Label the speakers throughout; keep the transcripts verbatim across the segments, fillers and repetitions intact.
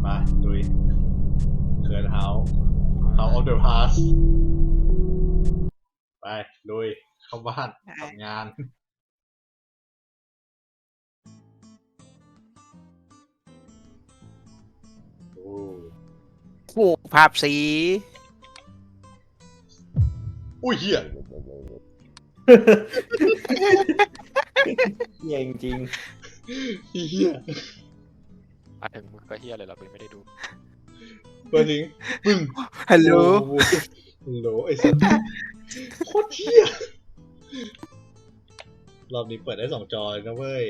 Speaker 1: มาดุยเคิร์นเฮาส์เฮาส์ออฟเดอะพาสไปดุยเข้าบ้านทำงานโอ้
Speaker 2: ปลูกภาพสี
Speaker 1: อุ้ยเหี้ย
Speaker 3: เฮียจริง
Speaker 1: เหี้ย
Speaker 4: มาถึงมึงก็เฮียเลยเราไม่ได้ดู
Speaker 1: เปิดลิงปึ้ง
Speaker 2: ฮัลโหล
Speaker 1: โอ้โหฮัลโหลไอ้สัสโคตรเหี้ยรอบนี้เปิดได้สองจอเลยนะเว้ย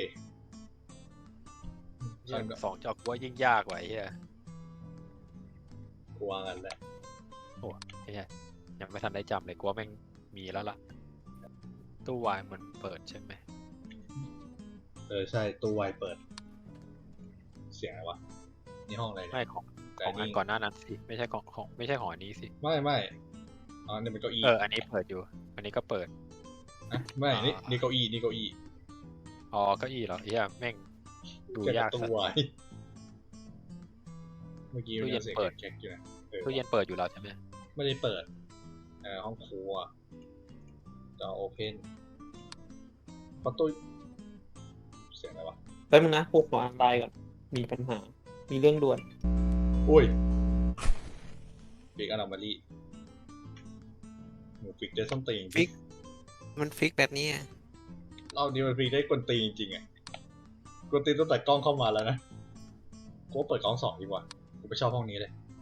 Speaker 4: ยิ่งสองจอกว่ายิ่งยากกว่าไอ้เฮีย
Speaker 1: กลัวกันแหละ
Speaker 4: ไอ้เฮียยังไม่ทันได้จำเลยกลัวแม่งมีแล้วล่ะตู้วายมันเปิดใช่ไหม
Speaker 1: เออใช่ตู้ไวเปิด เสียงอะไรวะนี่ห้องอะไรเนี่ย
Speaker 4: ไม่ของของอันก่อนหน้านั้นสิไม่ใช่ของของไม่ใช่ของอันนี้สิ
Speaker 1: ไม่ไม่อ๋อนี่เป็นเก้าอี้
Speaker 4: เอออันนี้เปิดอยู่ อันนี้ก็เปิด
Speaker 1: นะไม่นี่
Speaker 4: อ่า
Speaker 1: นี่เก้าอี้นี่เก้าอี้
Speaker 4: อ๋อเก้าอี้เหรอไอ้เฮียแม่งดู
Speaker 1: แค่
Speaker 4: ยาก
Speaker 1: ตู้
Speaker 4: สัส
Speaker 1: ไวเมื่อกี้
Speaker 4: ตู้เย็น
Speaker 1: สีง
Speaker 4: เปิด
Speaker 1: แก๊กๆอยู่นะออ
Speaker 4: ตู้เย็นเปิดอยู่แล้วใช่ไหม
Speaker 1: ไม่ได้เปิดเอ่อห้องครัวจอโอเพนประตูเสียงอะไรวะ
Speaker 3: ๆแป๊บนึงนะพวกขออ่านไลน์ก่อนมีปัญหา มีเรื่องด่วน
Speaker 1: อุ้ยบิ๊กอนามารีหมูฟิกได้ส้นตีน
Speaker 2: ฟิก มันฟิกแบบนี้อะ
Speaker 1: รอบนี้มันฟิกได้กวนตีนจริงๆอ่ะกวนตีนตั้งแต่กล้องเข้ามาแล้วนะกูว่าเปิดกล้องสองดีกว่ากูไม่ชอบห้องนี้เลย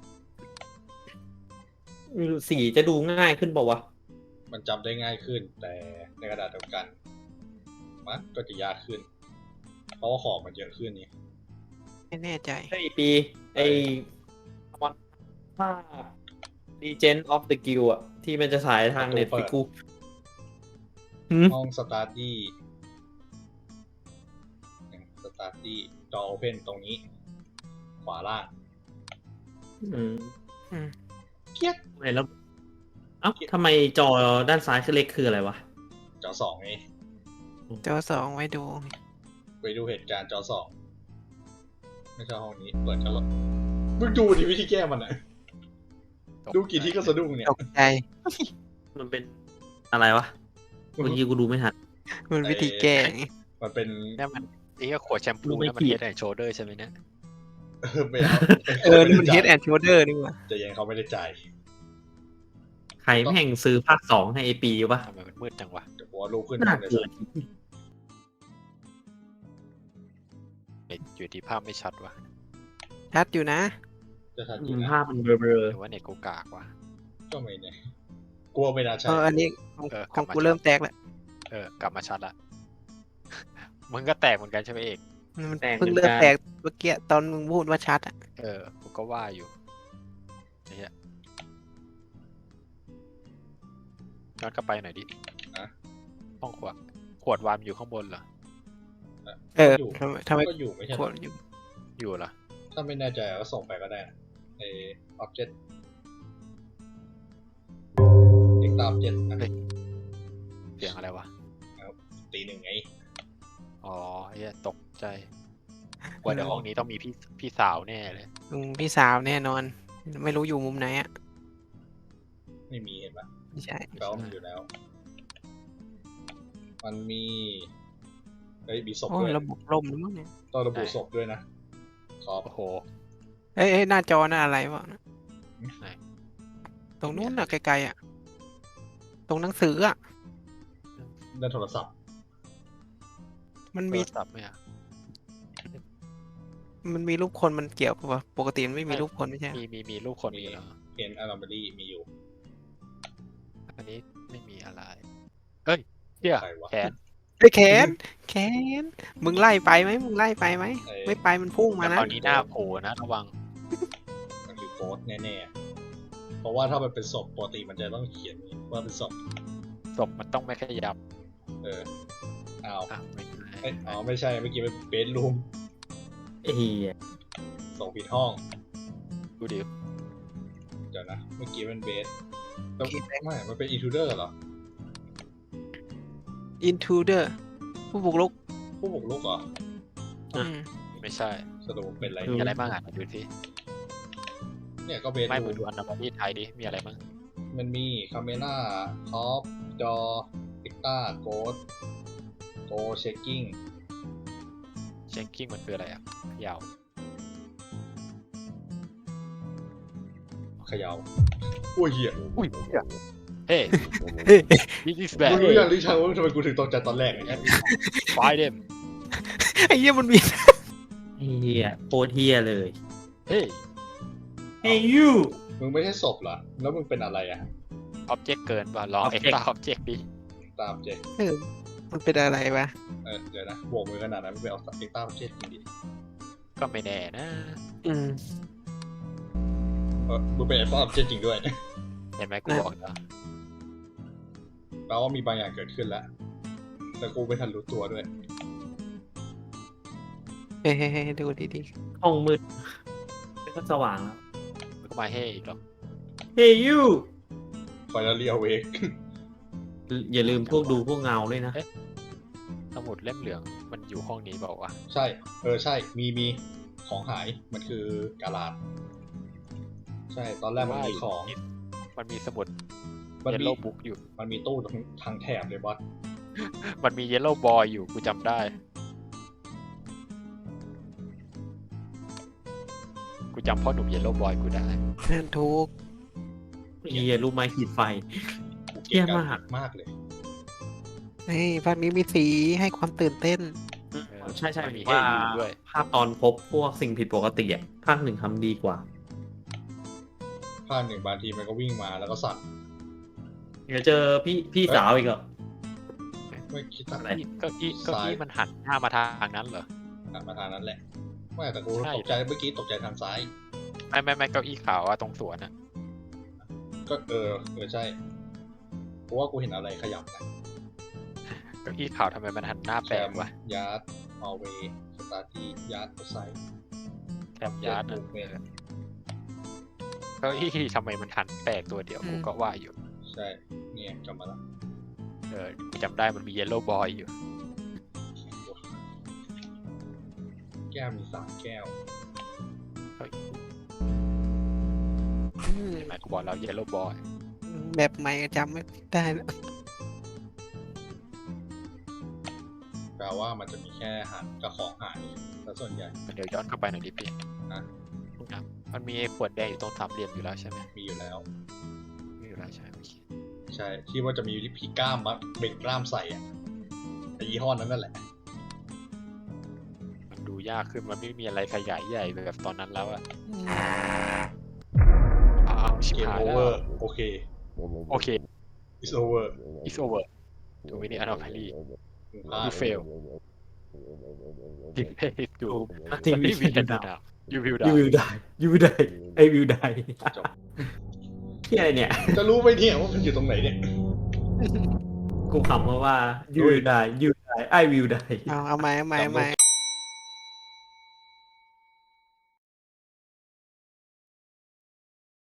Speaker 3: สีจะดูง่ายขึ้นเปล่าวะ
Speaker 1: มันจำได้ง่ายขึ้น แต่ในกระดาษเดียวกันมันก็จะยากขึ้น เพราะว่าของมันเยอะขึ้นนี่
Speaker 2: ไม่แน่ใจ
Speaker 3: ไอปีไอวันภาพ Legend of the Guild อะที่มันจะฉายทางเน็ตฟิกูหืม
Speaker 1: ห้องสตาร์ดี้สตาร์ดี้จอโอเพนตรงนี้ ขวาล่าง
Speaker 3: อืม
Speaker 2: อืม
Speaker 1: เกียก
Speaker 3: ไหนแล้วเอ้าทำไมจอด้านซ้ายคือเล็กคืออะไรวะ
Speaker 1: จอสองไง
Speaker 2: จอสองไว้ดู
Speaker 1: ไปดูเหตุการณ์จอสองไม่ใช่ห้องนี้ เปิดกันแล้วมึงดูดิวิธีแก้มันอ่ะ ดูกี่ที่ก็สะดุ้งเนี่ย
Speaker 2: ตกใจ
Speaker 3: มันเป็นอะไรวะเมื่อกี้กูดูไม่ทัน
Speaker 2: มันวิธีแก้ไง
Speaker 1: มันเป็น
Speaker 4: เนี่ยมันไอ้เฮียขวดแชมพู
Speaker 3: ดูไม่
Speaker 4: นั่นมัน
Speaker 3: ผิด
Speaker 4: เฮดแอนด์โชเดอร์ใช่ไหมเนี่ย
Speaker 1: เออไม่เอา
Speaker 2: เออ นี่มัน Head and Shoulder นี่หว่า
Speaker 1: จะยังเขาไม่ได้จ่าย
Speaker 3: ใครแม่งซื้อภาคสองให้ไอปีวะ
Speaker 4: ทำไมมันมืดจังวะ
Speaker 1: เดี๋ยวผมว่าลูกขึ้น
Speaker 3: น่า
Speaker 1: เลย
Speaker 3: เกลียด
Speaker 4: อยู่ที่ภาพไม่ชัดวะ
Speaker 2: ชัดอยู่นะ
Speaker 1: จะทัน
Speaker 3: อื
Speaker 1: ยิง
Speaker 3: ม
Speaker 1: นะ
Speaker 3: ภาพมันเบลอ
Speaker 4: หรือว่าเน็ตกูกากวะ
Speaker 1: ก็ไม่เนี่ยกลัวไม่น่าใช่
Speaker 2: เออ อันนี้ของ
Speaker 4: เออ
Speaker 2: ของ
Speaker 4: กลับมา
Speaker 2: กูเริ่มแตกแล้ว
Speaker 4: เออกลับมาชัดละ มึงก็แตกเหมือนกันใช่ไหมเอก
Speaker 2: มันเพิ่งเริ่มแตกเมื่อกี้ตอนมึงพูดว่าชัดอ่ะ
Speaker 4: เออกูก็ว่าอยู่ไอ้เฮียย้อนกลับไปหน่อยดิ
Speaker 1: อะ
Speaker 4: ห้องขวดขวดวายมันอยู่ข้างบนเหรอ
Speaker 2: เออ
Speaker 1: อยู่
Speaker 2: ทำไมทำไม
Speaker 1: ก็อยู่ไม่ใช่
Speaker 2: ขวดอยู่
Speaker 4: อยู่เหรอ
Speaker 1: ถ้าไม่แน่ใจก็ส่งไปก็ได้นะไอออบเจกต์เอ็กซ์ตาออบเจกต์
Speaker 4: เฮ้ย เสียงอะไรวะ
Speaker 1: ตีหนึ่งไง
Speaker 4: อ๋อไอ้เฮียตกใจว่าเดี๋ยวห้องนี้ต้องมีพี่พี่สาวแน่เลย
Speaker 2: ลุงพี่สาวแน่นอน ไม่รู้อยู่มุมไหนอ่ะ
Speaker 1: ไม่มีเห็นปะ
Speaker 2: ไม่ใช่
Speaker 1: แปลว่ามันอยู่แล้ว มันมีเฮ้ยมีศพ
Speaker 2: โอ้
Speaker 1: ด้วย ย
Speaker 2: ระบบล่มหรือมั้งเนี่ย
Speaker 1: ต้องระบุศพด้วยนะขอบ
Speaker 4: โอ้โห
Speaker 2: เอ้ยเอ้ยหน้าจอหน้าอะไรวะ
Speaker 4: ไหน
Speaker 2: ตรงนู้นน่ะไกลๆอ่ะ ตรงหนังสืออ่ะ
Speaker 1: ด้านโทรศัพท์
Speaker 2: มัน
Speaker 4: โท
Speaker 2: มี
Speaker 4: รศัพท์ไหมอ่ะ
Speaker 2: มันมีรูปคนมันเกี่ยวปะวะปกติมันไม่มีรูปคนไม่ใช่เหรอ
Speaker 4: มีมีมีรูปคนมีเหรอ
Speaker 1: เห็นอารามบรีมีอยู่
Speaker 4: อันนี้ไม่มีอะไร เอ้ยเฮีย
Speaker 1: ใครวะ
Speaker 4: แขน
Speaker 2: เฮ้ยแขนแขนมึงไล่ไปไหมมึงไล่ไปไหม
Speaker 1: เอ้ย
Speaker 2: ไม่ไปมันพุ่งมา
Speaker 4: แต่
Speaker 2: นะ
Speaker 4: ตอนนี้หน้าโผล่นะระวัง
Speaker 1: มันคือโกสแน่ๆ เพราะว่าถ้ามันเป็นศพปกติมันจะต้องเขียนว่าเป็นศพ
Speaker 4: ศพมันต้องไม่ขยับ
Speaker 1: เอออ้าว
Speaker 4: อ่ะไม่ใช่
Speaker 1: เอ้ยอ๋อไม่ใช่เมื่อกี้เป็นเบดรูม
Speaker 3: ไอ้เฮีย
Speaker 1: ส่งผิดห้อง
Speaker 4: ดูดิ
Speaker 1: เดี๋ยวนะ เมื่อกี้เป็นเบสไม่ มันเป็นอินทูเดอร์เหรอ
Speaker 2: อินทูเดอร์ผู้บุกรุก
Speaker 1: ผู้บุกรุกเหรอ
Speaker 2: อืม
Speaker 4: ไม่ใช่
Speaker 1: สรุปเป็นอะไร
Speaker 4: มีอะไรบ้างอ่ะดูสิ
Speaker 1: เนี่ยก็เบส
Speaker 4: ไม่
Speaker 1: รู
Speaker 4: มึง
Speaker 1: ม
Speaker 4: ดูอันดับที่ไทยดิมีอะไรบ้าง
Speaker 1: มันมีคาเมล่าท็อปจอพิกต้าโกดโกเชคกิ้ง
Speaker 4: เช็คกิ้งมันคืออะไรอ่ะยาว
Speaker 1: เขย่าอุ้ยเหี้ย
Speaker 4: อุ้ยเฮ้ this is
Speaker 1: มึ
Speaker 4: bad
Speaker 1: งรู้ยังลิชังว่าทำไมกูถึงตกใจตอนแรกเนี่ย
Speaker 4: fight them
Speaker 2: ไอ้เหี้ยมันมี
Speaker 3: เฮียโคตรเฮียเลย
Speaker 4: เฮ้ย
Speaker 3: Hey you
Speaker 1: มึงไม่ใช่ศพเหรอ แล้วมึงเป็นอะไรอ่ะ
Speaker 4: object เกินป่ะลอง
Speaker 3: Object
Speaker 4: extra object ดิ
Speaker 1: ตามเจ
Speaker 2: เออมันเป็นอะไรวะ
Speaker 1: เออเดี๋ยวนะโบกมือขนาดนั้นมึงไปเอาเอ็กต้าเจ็ดดิ
Speaker 4: ก็ไม่แน่นะ
Speaker 2: อืม
Speaker 1: เออมึงเป็นเอ็กต้าเจ็ดจริงด้วย
Speaker 4: เห็นไหมกูบอกแล้ว
Speaker 1: แปลว่ามีบางอย่างเกิดขึ้นแล้ว แต่กูไม่ทันรู้ตัวด้วย
Speaker 2: เฮ้ยดูดี
Speaker 3: ห้องมืดก็สว่างแล้ว
Speaker 4: มึงก็มาเฮ้อีกหรอ
Speaker 3: Hey you
Speaker 1: ไฟแล้วเรียวเวก
Speaker 3: อย่าลืมพวกดูพวกเงาด้วยนะ
Speaker 4: สมุดเล่มเหลืองมันอยู่ห้องนี้เปล่าวะ
Speaker 1: ใช่ เออใช่ มีมีของหาย มันคือกาลาด ใช่ ตอนแรกมันมีของ
Speaker 4: มันมีสมุด
Speaker 1: มัน
Speaker 4: เยล
Speaker 1: มี
Speaker 4: โล่บุ๊กอยู่
Speaker 1: มันมีตู้ทางทางแถบเลยบอส
Speaker 4: มันมีเยลโล่บอยอยู่กูจำได้ กูจำพ่อหนุ่มเยลโล่บอยกูได้
Speaker 2: ๆนั่นทุก
Speaker 3: เฮียรู้ไหมขีดไฟ
Speaker 1: กูเกลียด
Speaker 3: เยี่ยม
Speaker 1: การ
Speaker 3: มาก
Speaker 1: หมากเลย
Speaker 2: เฮ้ยภาคนี้มีสีให้ความตื่นเต้น
Speaker 3: ใช่ใช่
Speaker 4: มันมี
Speaker 3: ว่า
Speaker 4: ให้อยู่ด้วย
Speaker 3: ภาพตอนพบพวกสิ่งผิดปกติอ่ะภาคหนึ่งทำดีกว่า
Speaker 1: ภาคหนึ่งบางทีมันก็วิ่งมาแล้วก็สั่น
Speaker 3: เดี๋ยวเจอพี่พี่สาวอีกเหรอ
Speaker 1: ไม่คิด
Speaker 3: อะไร
Speaker 4: เก็อี้เก็อี้มันหันหน้ามาทางนั้นเหรอ
Speaker 1: หันมาทางนั้นแหละ ไม่แต่กู
Speaker 4: ใช่
Speaker 1: ตกใจเมื่อกี้ตกใจทางซ้าย
Speaker 4: ไม่ไม่ไม่เก้าอี้ขาวอะตรงสวนอะ
Speaker 1: ก็เออเออใช่กูว่ากูเห็นอะไรขยับนะ
Speaker 4: เก้าอี้ขาวทำไมมันหันหน้า
Speaker 1: แค
Speaker 4: แปลก
Speaker 1: ม
Speaker 4: วะ
Speaker 1: ยาร์ดฮอลเวย์สตาร์ทียาร์ดไซด์
Speaker 4: แคมยาร์ด
Speaker 1: มู
Speaker 4: อะ
Speaker 1: ฟเมนต์
Speaker 4: เก้าอี้ทำไมมันหันแปลกตัวเดียว
Speaker 2: อืม
Speaker 4: กูก็ว่าอยู่
Speaker 1: ใช่ เนี่ยกลับมาแล้ว
Speaker 4: เออกูจำได้มันมีเยลโล่บอยอยู่
Speaker 1: แก้วมีสามแก้ว
Speaker 2: อืม
Speaker 4: เห็นไหมกูบอกแล้วเยลโล่บอย
Speaker 2: แบบใหม่จำไม่ได้แล้ว
Speaker 1: แปลว่ามันจะมีแค่หันกับของหายแต่ส่วนใหญ่
Speaker 4: เดี๋ยวย้อนกลับไปหน่อยดิพี่
Speaker 1: นะ
Speaker 4: นะมันมีขวดแดงอยู่ตรงสามเหลี่ยมอยู่แล้วใช่ไหม
Speaker 1: มีอยู่แล้ว
Speaker 4: มีอยู่แล้วใช่โอเค
Speaker 1: ใช่ ที่ว่าจะมีผีกล้ามมาเบ่งกล้ามใส่อะไอยี่ห้อนั้นนั่นแหละ
Speaker 4: มันดูยากขึ้นมันไม่มีอะไรขยายใหญ่แบบตอนนั้นแล้วอะ
Speaker 2: อืม
Speaker 4: อ้าวชิบ
Speaker 1: เกม
Speaker 4: หาย
Speaker 1: โอ
Speaker 4: แล้
Speaker 1: เว
Speaker 4: ว
Speaker 1: อร์โอเค
Speaker 4: โอเค
Speaker 1: it's over
Speaker 4: it's over too many anomalies
Speaker 1: มึงพลาด
Speaker 4: you fail you fail to
Speaker 3: ทีวี
Speaker 4: we can do now you will
Speaker 3: ยู
Speaker 4: die
Speaker 3: วิวได้ยูวิวได้ไอวิวได้
Speaker 1: จบ
Speaker 3: ที่อะไรเนี่ย
Speaker 1: จะรู้ไหมเนี่ยว่ามันอยู่ตรงไหนเนี่ย
Speaker 3: กูขำเพราะว่ายูวิวได้ยูได้ไอวิวได้
Speaker 2: เอาเอาใหม่เอาใหม่เอาใหม่